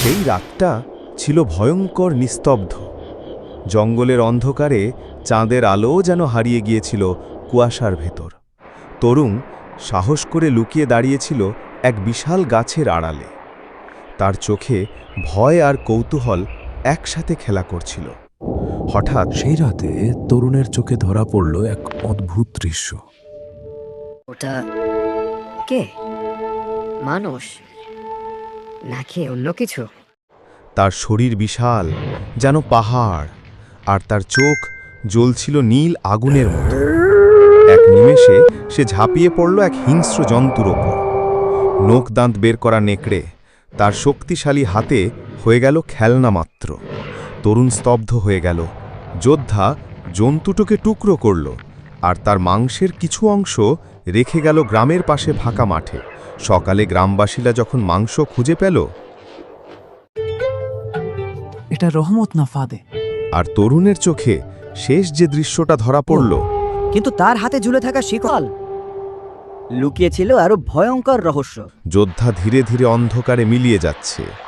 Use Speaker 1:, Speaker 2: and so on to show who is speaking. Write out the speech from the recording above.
Speaker 1: সেই রাতটা ছিল ভয়ঙ্কর নিস্তব্ধ। জঙ্গলের অন্ধকারে চাঁদের আলো যেন হারিয়ে গিয়েছিল কুয়াশার ভেতর। তরুণ সাহস করে লুকিয়ে দাঁড়িয়েছিল এক বিশাল গাছের আড়ালে। তার চোখে ভয় আর কৌতূহল একসাথে খেলা করছিল। হঠাৎ
Speaker 2: সেই রাতে তরুণের চোখে ধরা পড়ল এক অদ্ভুত দৃশ্য।
Speaker 3: ওটা কে? মানুষ নাকি অন্য কিছু?
Speaker 1: তার শরীর বিশাল, যেন পাহাড়, আর তার চোখ জ্বলছিল নীল আগুনের মতো। এক নিমেষে সে ঝাঁপিয়ে পড়ল এক হিংস্র জন্তুর ওপর। নোক দাঁত বের করা নেকড়ে তার শক্তিশালী হাতে হয়ে গেল খেলনা মাত্র। তরুণ স্তব্ধ হয়ে গেল। যোদ্ধা জন্তুটোকে টুকরো করল, আর তার মাংসের কিছু অংশ রেখে গেল গ্রামের পাশে ফাঁকা মাঠে। সকালে গ্রামবাসীরা যখন মাংস খুঁজে পেল,
Speaker 4: এটা রহমত না ফাদে।
Speaker 1: আর তরুণের চোখে শেষ যে দৃশ্যটা ধরা পড়ল,
Speaker 5: কিন্তু তার হাতে ঝুলে থাকা শিকল লুকিয়ে ছিল আরো ভয়ঙ্কর রহস্য।
Speaker 1: যোদ্ধা ধীরে ধীরে অন্ধকারে মিলিয়ে যাচ্ছে।